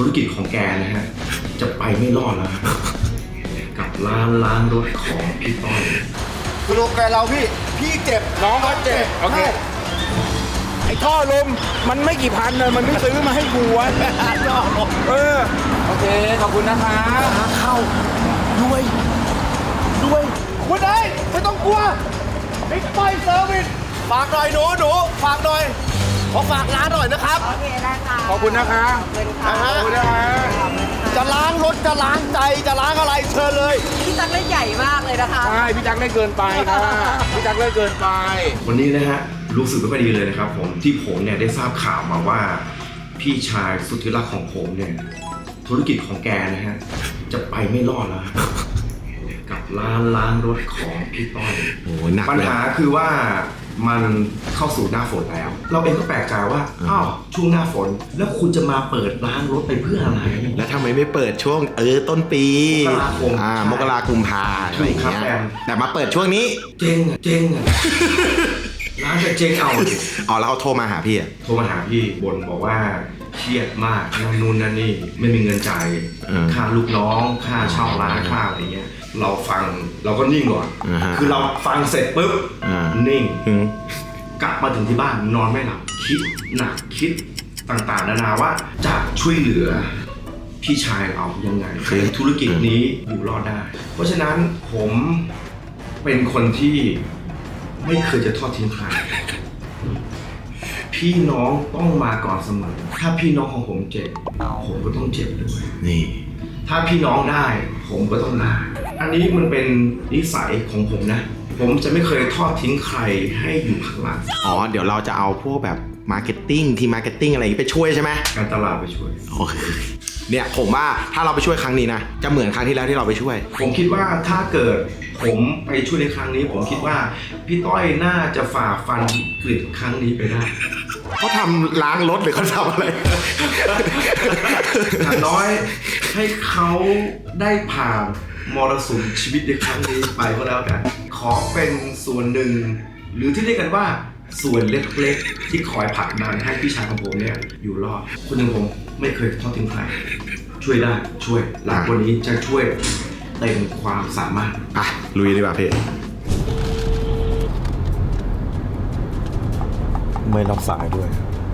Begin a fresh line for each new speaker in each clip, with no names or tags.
ธุรกิจของแกนะฮะจะไปไม่รอดแล้วกับร้านล้างรถของพี่ต้อย
คือโลแกเราพี่เจ็บ
น้องก็เจ็บโอเคไอ้ท่อลมมันไม่กี่พันเลยมันไม่ซื้อมาให้กูวะโอเคขอบคุณนะคะ
เข้ารวยคุณได้ไม่ต้องกลัวบิ๊กไฟเซอร์วิสฝากหน่อยหนูฝากหน่อยขอฝากร้านหน่อยนะครับ
โอเคได้ค่ะ
ขอบคุณนะคะขอบคุณนะคะ
จะล้างรถจะล้างใจจะล้างอะไรเชิญเลย
พี่ตั๊กเล่นใหญ่มากเลยนะคะ
ใช่พี่ตั๊กเล่นเกินไปค่ะพี่ตั๊กเล่นเกินไป
วันนี้นะฮะรู้สึกไม่ค่อยดีเลยนะครับผมที่ผมเนี่ยได้ทราบข่าวมาว่าพี่ชายสุดที่รักของผมเนี่ยธุรกิจของแกนะฮะจะไปไม่รอดแล้วกับร้านล้างรถของพี่ต้อยปัญหาคือว่ามันเข้าสู่หน้าฝนแล้วเราเองก็แปลกใจว่าอ้าวช่วงหน้าฝนแล้วคุณจะมาเปิดร้านรถไปเพื่ออะไร
แล้วทำไมไม่เปิดช่วงต้นปีมกราคมกุมภาอะไรอย่างเงี้ยแต่มาเปิดช่วงนี้
เจ๊งร้านจะเจ๊งเอา
อ๋อแล้วเขาโทรมาหาพี่อะ
โทรมาหาพี่บ่นบอกว่าเครียดมากนั่นนู่นนั่นนี่ไม่มีเงินจ่ายค่าลูกน้องค่าเช่าร้านค่าอะไรเงี้ยเราฟังเราก็นิ่งก่อนคือเราฟังเสร็จปุ๊บนิ่งกลับมาถึงที่บ้านนอนไม่หลับคิดหนักคิดต่างๆนานาว่าจะช่วยเหลือพี่ชายเรายังไงให้ธุรกิจนี้อยู่รอดได้เพราะฉะนั้นผมเป็นคนที่ไม่เคยจะทอดทิ้งใครพี่น้องต้องมาก่อนเสมอถ้าพี่น้องของผมเจ็บผมก็ต้องเจ็บด้วย
นี่
ถ้าพี่น้องได้ผมก็ต้องได้อันนี้มันเป็นนิสัยของผมนะผมจะไม่เคยทอดทิ้งใครให้อยู่ข้างหลัง
อ๋อเดี๋ยวเราจะเอาพวกแบบมาร์เก็ตติ้งทีมมาร์เก็ตติ้งอะไรไปช่วยใช่ไหม
การตลาดไปช่วย
โอเคเนี่ยผมว่าถ้าเราไปช่วยครั้งนี้นะจะเหมือนครั้งที่แล้วที่เราไปช่วย
ผมคิดว่าถ้าเกิดผมไปช่วยในครั้งนี้ผมคิดว่าพี่ต้อยน่าจะฝ่าฟันวิกฤตครั้งนี้ไปได้
เขาทำล้างรถหรือเขาทำอะไร
อย่างน้อยให้เขาได้ผ่านมรสุมชีวิตในครั้งนี้ไปก็แล้วกันขอเป็นส่วนหนึ่งหรือที่เรียกกันว่าส่วนเล็กๆที่คอยผลักดันให้พี่ชายของผมเนี่ยอยู่รอดคนหนึ่งผมไม่เคยทอดทิ้งใครช่วยได้ช่วยหลังวันนี้จะช่วยเต็มความสามารถ
อ่ะลุยดีกว่าพี่
ไม่รับสายด้วย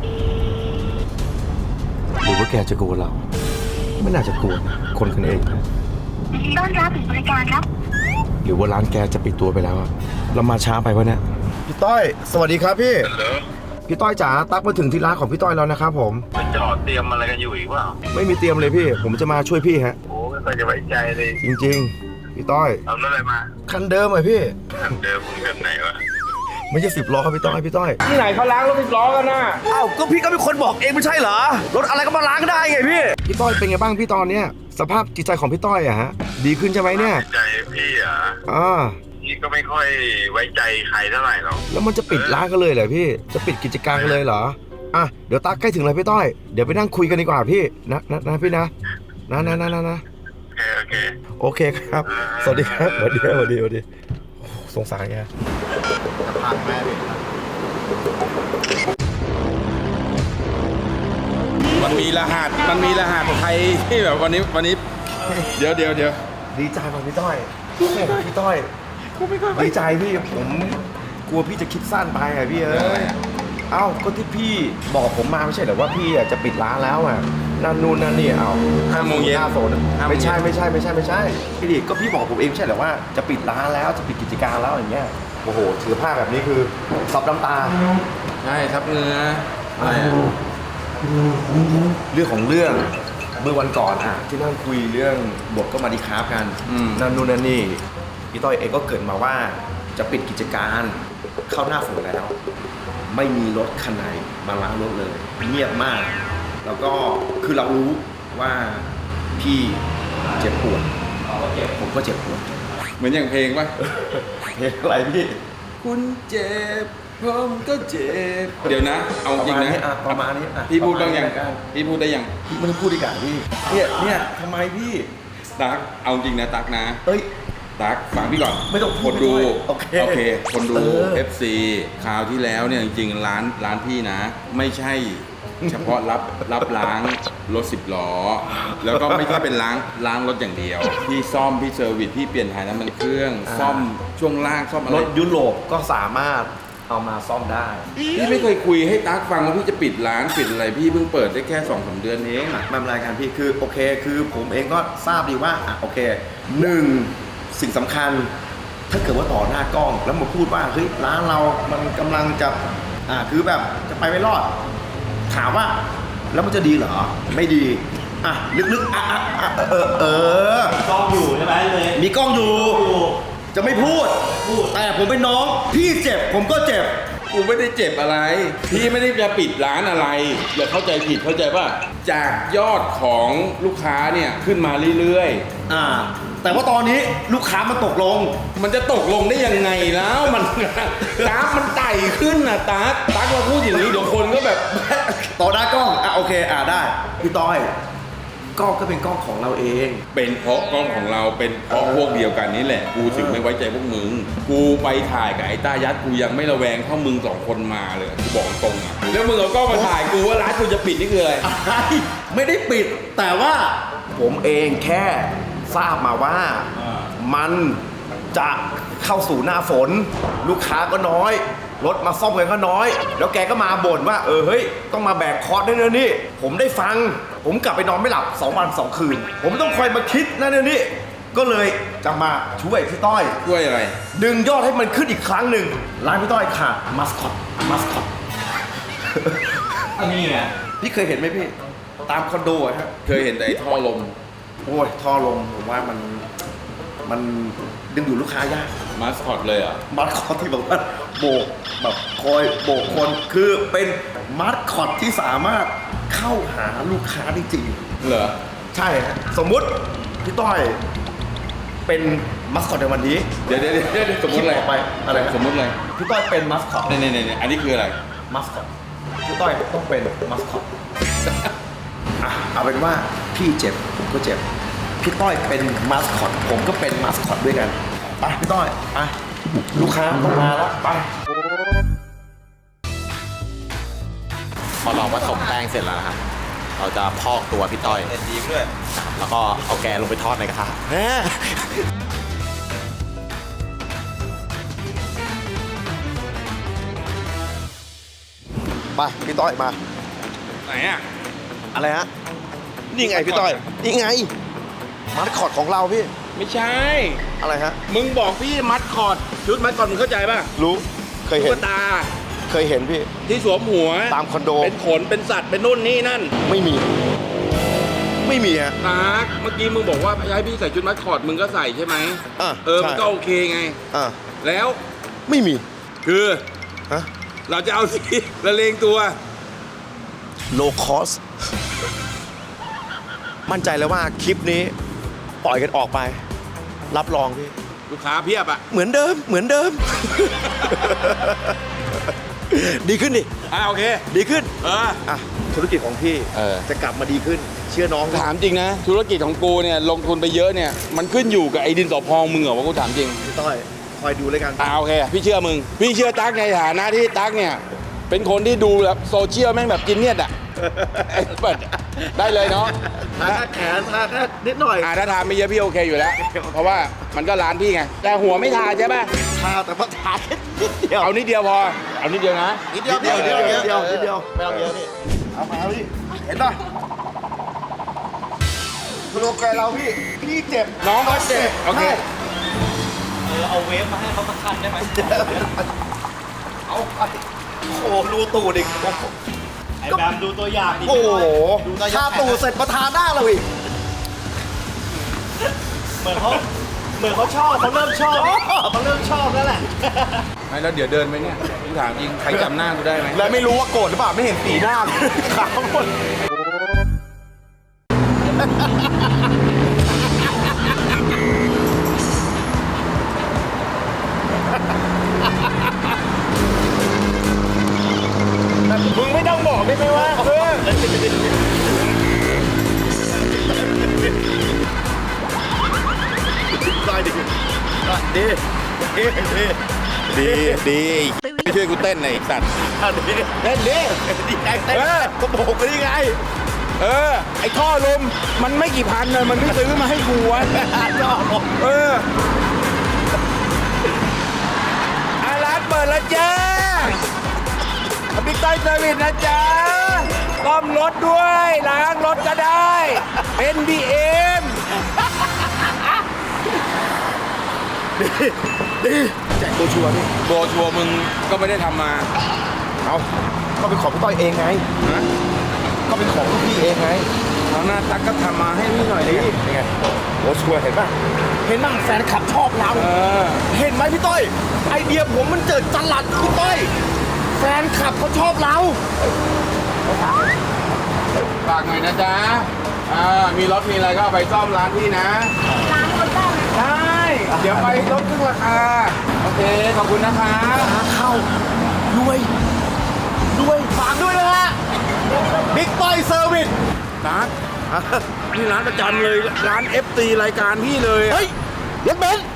หรือว่าแกจะกลัวเราไม่น่าจะกลัวคนกันเอง
ต้อนรับถึงบริการครับ
หรือว่าร้านแกจะปิดตัวไปแล้วอะเรามาช้าไปวะเนี่ยพี่ต้อยสวัสดีครับพี่ต้อยจ๋าตั๊กมาถึงที่ร้านของพี่ต้อยแล้วนะครับผม
ไปจอดเตรียมอะไรกันอยู่อีกเปล่า
ไม่มีเตรียมเลยพี่ผมจะมาช่วยพี่ฮะ
โอ้ไม่ค่อยจะไว้ใจเลย
จริงๆพี่ต้อย
เอารถอะไรมา
คันเดิมเลยพี่
คันเดิมมึงแบบไหนวะ
ไม่ใช่10 ล้อครับพี่ต้อย
ที่ไหนเขาล้างรถ10 ล้อกันน่ะ
อ้าวก็พี่ก็เป็นคนบอกเองไม่ใช่เหรอรถอะไรก็มาล้างได้ไงพี่ต้อยเป็นไงบ้างพี่ตอนเนี้ยสภาพจิตใจของพี่ต้อยอะฮะดีขึ้นใช่ไหมเนี่ย
ใจพี่อ่ะพี่ก็ไม่ค่อยไว้ใจใครเท่าไหร่หรอก
แล้วมันจะปิดร้านกันเลยเหรอพี่จะปิดกิจการกันเลยเหรออ่ะเดี๋ยวตาใกล้ถึงเลยพี่ต้อยเดี๋ยวไปนั่งคุยกันดีกว่าพี่นะพี่นะโอเคครับสวัสดีครับสวัสดีสงสารแก
พังแม่ดิ
มันมีรหัสใครที่แบบวันนี้เดี๋ยว
ดีใจของพี่ต้อยพี่ต้อยดีใจพี่ผมกลัวพี่จะคิดสั้นไปอะพี่เอ้าก็ที่พี่บอกผมมาไม่ใช่เหรอว่าพี่จะปิดร้านแล้วอะนั่นนู่นนั่นนี่เอ้า
5 โมงเย็น
ไม่ใช่พี่ดิก็พี่บอกผมเองไม่ใช่เหรอว่าจะปิดร้านแล้วจะปิดกิจการแล้วอย่างเงี้ยโอ้โหถือผ้าแบบนี้คือซับน้ำตา
ใช่ซับเนื้ออะไร
เรื่องของเรื่องเมื่อวันก่อนที่นั่งคุยเรื่องบทก็มาดีคราฟกันนั่นนู่นนั่นนี่พี่ต้อยเองก็เกิดมาว่าจะปิดกิจการเข้าหน้าฝนแล้วไม่มีรถคันไหนมาล้างรถเลยเงียบมากแล้วก็คือเรารู้ว่าพี่เจ็บปวดผมก็เจ็บปวด
เหมือนอย่างเพลงป่ะ
เพลงอะไรพี่
คุณเจ็บผมก็เจ็บเดี๋ยวนะเอาจริงนะ
ประมาณนี้
พี่พูดต้องอย่างพี่พูดได้อย่าง
พี่ไม่ได้พูดดีกว่าพี่เนี่ยทำไมพี่
ตั๊กเอาจริงนะตั๊กนะตั๊กฟังพี่ก่อน
ไม่ต้อง
คนดู
โอเค
คนดู FC คราวที่แล้วเนี่ยจริงๆร้านพี่นะไม่ใช่เฉพาะรับล้างรถ10 ล้อ แล้วก็ไม่ใช่เป็นล้างรถอย่างเดียวพี่ซ่อมพี่เซอร์วิสพี่เปลี่ยนถ่ายน้ำมันเครื่องซ่อมช่วงล่างซ่อมอะไร
รถยุโรปก็สามารถเอามาซ่อมได้
พี่ไม่เคยคุยให้ตั๊กฟังว่าพี่จะปิดร้านปิดอะไรพี่เพิ่งเปิดได้แค่ 2-3 เดือนเอง
ไม่เป็นไรกันพี่คือโอเคคือผมเองก็ทราบดีว่าโอเคหนึ่งสิ่งสำคัญ ถ้าเกิดว่าต่อหน้ากล้องแล้วมาพูดว่าเฮ้ยร้านเรามันกำลังจะคือแบบจะไปไม่รอด ถามว่าแล้วมันจะดีเหรอไม่ดีลึกๆกล้องอยู่ใช่ไหมเลยมีกล้องอยู่จะไม่พูดแต่ผมเป็นน้องพี่เจ็บผมก็เจ็บ
กูไม่ได้เจ็บอะไร พี่ไม่ได้จะปิดร้านอะไร อย่าเข้าใจผิดเข้าใจป่ะจากยอดของลูกค้าเนี่ยขึ้นมาเรื่อยๆ
แต่ว่าตอนนี้ลูกค้ามันตกลง
มันจะตกลงได้ยังไงแล้วมันกราฟมันไต่ขึ้นนะตั๊กมาพูดอย่างนี้เดี๋ยวคนก็แบบ
ต่อหน้ากล้องโอเคได้พี่ต้อยกล้องก็เป็นกล้องของเราเอง
เป็นเพราะกล้องของเราเป็นเพราะพวกเดียวกันนี่แหละกูถึงไม่ไว้ใจพวกมึงกูไปถ่ายกับไอ้ต้ายัดกูยังไม่ระแวงเท่ามึง2 คนมาเลยกูบอกตรงอ่ะแล้วมึงเอากล้องมาถ่ายกูว่าร้านกูจะปิดนี่คืออะไร
ไม่ได้ปิดแต่ว่าผมเองแค่ทราบมาว่ามันจะเข้าสู่หน้าฝนลูกค้าก็น้อยรถมาซ่อมกันก็น้อยแล้วแกก็มาบ่นว่าเฮ้ยต้องมาแบกคอร์สนั่นนี่ผมได้ฟังผมกลับไปนอนไม่หลับ2 วัน 2 คืนผมต้องคอยมาคิดนั่นนี่ก็เลยจะมาช่วยพี่ต้อย
ช่วยอะไร
ดึงยอดให้มันขึ้นอีกครั้งหนึ่งร้านพี่ต้อยขาดมัสคอตอันนี้ไงพี่เคยเห็นไหมพี่ตามคอนโดฮะ
เคยเห็นแต่ไอ้ท่อลม
โอ้ยท่อลมผมว่ามันดึงดูดลูกค้ายาก
มาสคอตเลยอ่ะ
มัสคอตที่แบบว่าโบกแบบคอยโบกคนคือเป็นมัสคอตที่สามารถเข้าหาลูกค้าได้จริง
เหรอ
ใช่ฮะสมมุติพี่ต้อยเป็นมัสคอตในวันนี้
เดี๋ยวสมมติอะไร
คลิปออกไปอะไรนะ
สมมติอะไร
พี่ต้อยเป็นมัสคอต
เนี่ยอันนี้คืออะไร
มัสคอตพี่ต้อยต้องเป็นมัสคอตเอาเป็นว่าพี่เจ็บผมก็เจ็บพี่ต้อยเป็นมัสคอตผมก็เป็นมัสคอตด้วยกันไปพี่ต้อยไปลูกค้าต้องมาแล้วไป
พอเราผสมแป้งเสร็จแล้วนะครับ เราจะพอกตัวพี่ต้อยดีด้วยแล้วก็เอาแกลงไปทอดในกระทะ
ไปพี่ต้อยมา
ไหนอ่ะ
อะไรฮะนี่ไงพี่ต้อยนี่ไงมัสคอตของเราพี่
ไม่ใช่
อะไรฮะ
มึงบอกพี่มัดคอร์ดชุดมัดคอร์ดมึงเข้าใจป่ะ
รู้เคยเห็
ตุ๊
น
กตา
เคยเห็นพี่
ที่สวมหัว
ตามคอนโด
เป็นขนเป็นสัตว์เป็นนู่นนี่นั่น
ไม่มีฮะ
ตากเมื่อกี้มึงบอกว่าให้พี่ใส่ชุดมัดคอร์ดมึงก็ใส่ใช่ไหม
ใช่
มันก็โอเคไง แล้ว
ไม่มี
คือ
ฮะ
เราจะเอาสิละเลงตัว
low cost มั่นใจเลยว่าคลิปนี้ปล่อยกันออกไป รับรองพี่
ลูกค้าเพียบอ่ะ
เหมือนเดิม ดีขึ้นดิ
โอเค
ดีขึ้น ธุรกิจของพี่ จะกลับมาดีขึ้น เชื่อน้อง
ถามจริงนะ ธุรกิจของกูเนี่ยลงทุนไปเยอะเนี่ยมันขึ้นอยู่กับไอ้ดินสอพองมึงเหรอวะกูถามจริง
พี่ต้อยคอยดูเลยกัน
โอเค พี่เชื่อมึง พี่เชื่อตั๊กในฐานะที่ตั๊กเนี่ยเป็นคนที่ดูแบบโซเชียลแม่งแบบกินเนี่ยอ่ะ เปิดได้เลยเนาะ
ทาแขนทาแค่นิดหน่อย
ถ้าทาไม่เยอะพี่โอเคอยู่แล้ว เพราะว่ามันก็ร้านพี่ไง แต่หัวไม่ทาใช่ป่ะ
ทาแต่ว่าทาแค่นิดเดียว
เอานิดเดียวพอ เอานิดเดียวนะ
นิดเดียวไม่เอาเยอะพี่เอามาพี่เห็นป่ะโลกเราพี่เจ็บ
น้องก็เจ็บโอเค
เอาเวฟมาให้เขาสักคันได้ไหมเอาไปโอ้รูตูดอีกไอ้แบมดูตัวอย่างดิโอ้โหทาตูดเสร็จมาทาหน้าเราอีกเหมือนเขาชอบเขาเริ่มชอบแล้วแหละ
ไม่แล้วเดี๋ยวเดินไปเนี่ยพี่ถามจริงใครจำหน้ากูได้ไหม
และไม่รู้ว่าโกรธหรือเปล่าไม่เห็นสีหน้าขาวหมดมึงไม่ต้องบอกได้ไหมว่าได้ดิ
ดีไม่ช่วยกูเต้นหน่อยไอ้สัตว์
อันนี้เล่นดิดีใจเต้นก็บอกกันนี่ไง
ไอ้ท่อลมมันไม่กี่พันเลยมันไม่ซื้อมาให้กูวะ
ย่อลง
ร้านเปิดแล้วจ้าบิ๊กต้อยเซอร์วิสนะจ๊ะซ่อมรถด้วยล้างรถก็ได้ NBM
ดีแจกโบชัวร์นี่
โบชัวร์มึงก็ไม่ได้ทำมา
เอาก็เป็นของพี่ต้อยเองไง
ฮะ
ก็เป็นของพี่เองไง
เอาหน้าตักก็ทำมาให้พี่หน่อยดิ
นี่ไงโบชัวร์เห็นป่ะเห็นป่ะแฟนคลับชอบเรา เห็นไหมพี่ต้อย ไอเดียผมมันเจิดจรัสพี่ต้อย แฟนคลับเขาชอบเรา
ฝากหน่อยนะจ๊ะมีรถมีอะไรก็เอาไปซ่อมร้านพี่นะ
ร้านคนแรก
ได้ เดี๋ยวไปลดครึ่งราคา โอเค ขอบคุณนะคะ
เข้ารวยฝากด้วยนะฮะบิ๊กต้อยเซอร์วิส
ตั๊กนี่ร้านประจำเลย ร้าน FT รายการพี่เลย
เฮ้ยรถเบนซ์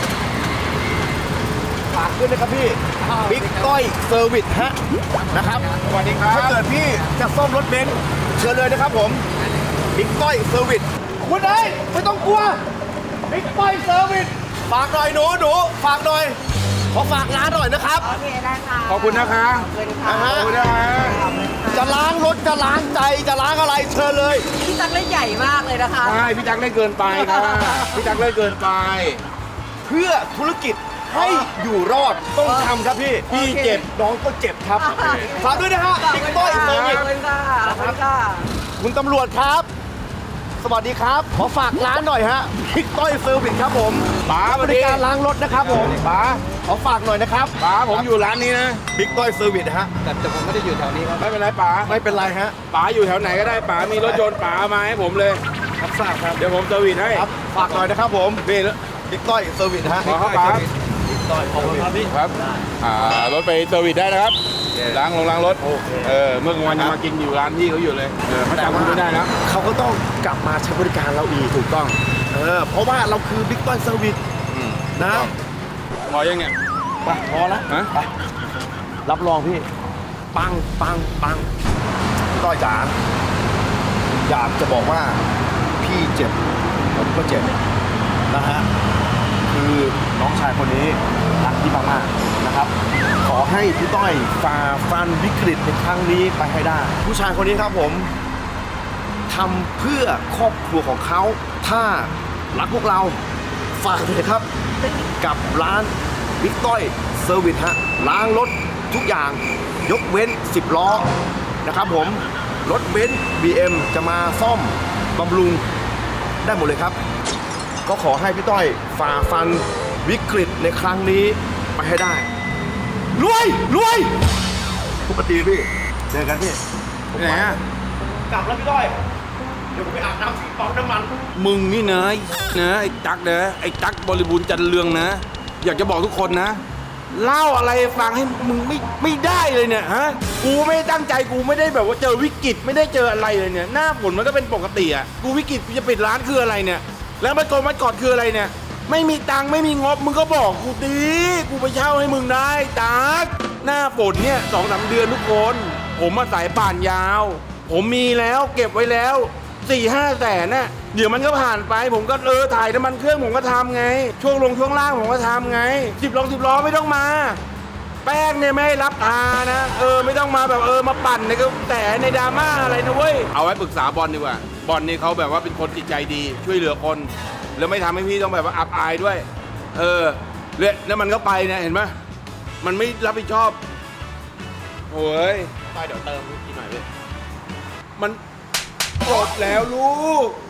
ฝากด้วยนะครับพี่บิ๊กต้อยเซอร์วิสฮะนะครับ
สวัสดีครับ
ถ้าเกิดพี่จะซ่อมรถเบนซ์เชิญเลยนะครับผมบิ๊กต้อยเซอร์วิสคุณเอ้ยไม่ต้องกลัวบิ๊กต้อยเซอร์วิสฝากหน่อยหนูฝากหน่อยขอฝากร้านหน่อยนะครับ
โอเคได้ค่ะ
ขอบคุณนะคะ
ขอบคุณค่ะ
อ่าฮะ
ขอบคุณนะคะ
จะล้างรถจะล้างใจจะล้างอะไรเชิญเลย
พี่ตั๊กเล่นใหญ่มากเลยนะคะ
ใช่พี่ตั๊กเล่นเกินไปครับพี่ตั๊กเล่นเกินไป
เพื่อธุรกิจให้อยู่รอดต้องทำครับพี่
พี่เจ็บ
น้องก็เจ็บครับฝากด้วยนะฮะบิ๊กต้อยเซอร์วิส
ขอบคุณค่ะขอบคุณค่ะ
คุณตำรวจครับ สวัสดีครับ ขอฝากร้านหน่อยฮะบิ๊กต้อยเซอร์วิสครับผม
ป๋า
บริการล้างรถนะครับผม
ป๋า
ขอฝากหน่อยนะครับ
ป๋าผมอยู่ร้านนี้นะ
บิ๊กต้อยเซอร์วิสนะฮะ
แต่ผมไม่ได้อยู่แถวนี้ครับ ไม่เป็นไรป๋า
ไม่เป็นไรฮะ
ป๋าอยู่แถวไหนก็ได้ป๋ามีรถยนต์ป๋าเอามาให้ผมเลย
รับทราบครับ
เดี๋ยวผมเซอร์วิสให้
ครับฝากหน่อยนะครับผม
นี่
บิ๊กต้อยเซอร์วิสฮะ
ขอครับป๋าครับรถไปเซอร์วิสได้นะครับล้างรถเมื่อกลางวันยังมากินอยู่ร้านพี่เขาอยู่เลยเขาจำคุณไม่ได้นะ
เขาก็ต้องกลับมาใช้บริการเราอีกถูกต้องเพราะว่าเราคือบิ๊กต้อยเซอร์วิสนะ
พอยังเนี่ย
ไปพอแล้ว
ฮะ
ไปรับรองพี่ ปังต้อยจ๋าอยากจะบอกว่าพี่เจ็บผมก็เจ็บนะฮะคือน้องชายคนนี้รักพี่มากๆนะครับ ขอให้พี่ต้อยฝ่าฟันวิกฤตในครั้งนี้ไปให้ได้ ผู้ชายคนนี้ครับผมทำเพื่อครอบครัวของเขาถ้ารักพวกเราฝากเลยครับ กับร้านบิ๊กต้อยเซอร์วิสฮะล้างรถทุกอย่างยกเว้น 10 ล้อนะครับผมรถเบนซ์ BM จะมาซ่อมบำรุงได้หมดเลยครับ ก็ขอให้พี่ต้อยฝ่าฟันวิกฤตในครั้งนี้ไปให้ได้ รวยปกติพี่เจอกันพี่
ไปไหนอะ
กลับแล้วพี่ต้อย เดี๋ยวผมไปอาบน้ำที่ปั๊มน้ำมัน
มึงนี่นะไอ้ตั๊กนะไอ้ตั๊กบริบูรณ์จันเรืองนะ อยากจะบอกทุกคนนะ เล่าอะไรฟังให้มึงไม่ได้เลยเนี่ยฮะกูไม่ได้ตั้งใจกูไม่ได้แบบว่าเจอวิกฤตไม่ได้เจออะไรเลยเนี่ยหน้าฝนมันก็เป็นปกติอ่ะกูวิกฤตกูจะปิดร้านคืออะไรเนี่ย แล้วมันกอดคืออะไรเนี่ย ไม่มีตังค์ไม่มีงบมึงก็บอกกูดิกูไปเช่าให้มึงได้ตั๊กหน้าฝนเนี่ย2-3 เดือนทุกคน ผมมาสายป่านยาว ผมมีแล้วเก็บไว้แล้ว4-5 แสนน่ะเดี๋ยวมันก็ผ่านไปผมก็ถ่ายน้ำมันเครื่องผมก็ทำไง ช่วงล่างผมก็ทำไง10 ล้อไม่ต้องมา แป้งเนี่ยไม่ให้รับทานะไม่ต้องมาแบบมาปั่นในกระแสในดราม่าอะไรนะเว้ยเอาไว้ปรึกษาบอลดีกว่าบอลนี่เขาแบบว่าเป็นคนจิตใจดีช่วยเหลือคน แล้วไม่ทำให้พี่ต้องแบบว่าอับอายด้วยแล้วมันก็ไปเนี่ยเห็นไหมมันไม่รับผิดชอบโอ้ย
ต้อยเดี๋ยวเติมกินหน่อยพี่
มันจบแล้วลูก